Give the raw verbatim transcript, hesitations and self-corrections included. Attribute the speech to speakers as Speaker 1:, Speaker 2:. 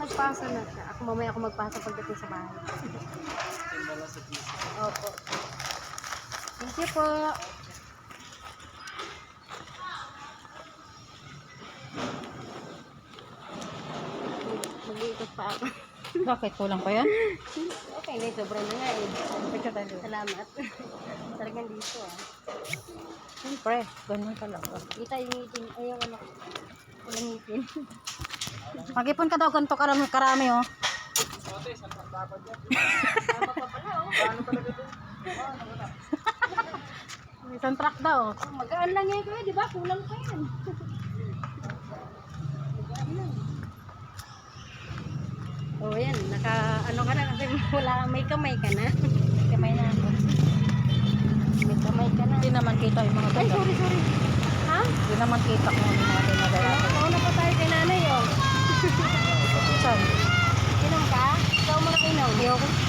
Speaker 1: Nagpasa na siya. Ako mamaya ako magpasa pagdating sa bahay. Opo. Thank you po. Mag-iikot pa ako.
Speaker 2: Bakit? Kulang pa yan?
Speaker 1: Okay na, sobra na nga eh. Salamat. Talagang dito ah.
Speaker 2: Siyempre, ganun talaga.
Speaker 1: Kita yung ngipin. Ayaw ano. Walang ngipin.
Speaker 2: Mag-ipon ka daw, ganito karami, karami oh.
Speaker 1: Tama pa pala oh. Paano talaga ito?
Speaker 2: Isang truck daw.
Speaker 1: Oh, magaan lang yan kuya, di ba? Kulang pa yan. Magaan lang. Oh, yan. Naka, ano ka na kasi wala, may kamay ka na.
Speaker 2: Kamay na ako.
Speaker 1: May kamay ka na.
Speaker 2: Hindi naman kita yung mga
Speaker 1: Ay,
Speaker 2: ganda.
Speaker 1: sorry, sorry. Ha?
Speaker 2: Hindi naman kita kung ano mga dinadala.
Speaker 1: Nauna pa tayo kay nanay oh.
Speaker 2: Saan?
Speaker 1: Inom ka? Ikaw mo na inom.
Speaker 2: Ayoko.